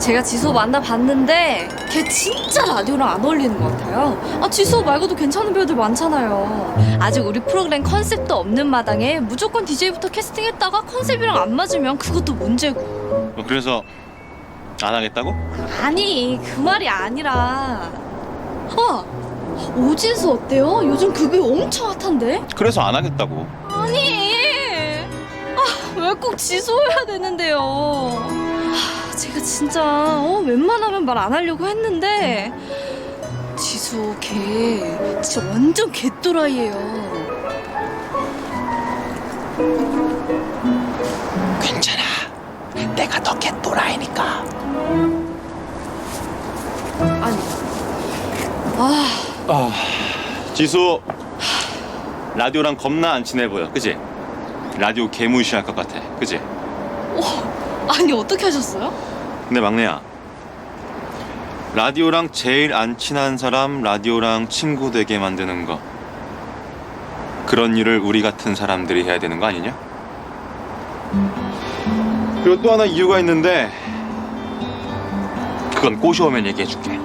제가 지수 만나봤는데 걔 진짜 라디오랑 안 어울리는 것 같아요. 지수 말고도 괜찮은 배우들 많잖아요. 아직 우리 프로그램 컨셉도 없는 마당에 무조건 DJ부터 캐스팅했다가 컨셉이랑 안 맞으면 그것도 문제고. 그래서 안 하겠다고? 아니 그 말이 아니라 오진수 어때요? 요즘 그게 엄청 핫한데? 그래서 안 하겠다고. 아니 왜 꼭 지수여야 되는데요? 제가 진짜 웬만하면 말 안 하려고 했는데 지수 걔 진짜 완전 개또라이예요. 괜찮아. 내가 더 개또라이니까. 아니 지수 라디오랑 겁나 안 친해 보여, 그지? 라디오 개무시할 것 같아, 그지? 아니 어떻게 하셨어요? 근데 막내야, 라디오랑 제일 안 친한 사람 라디오랑 친구 되게 만드는 거, 그런 일을 우리 같은 사람들이 해야 되는 거 아니냐? 그리고 또 하나 이유가 있는데 그건 꼬셔오면 얘기해줄게.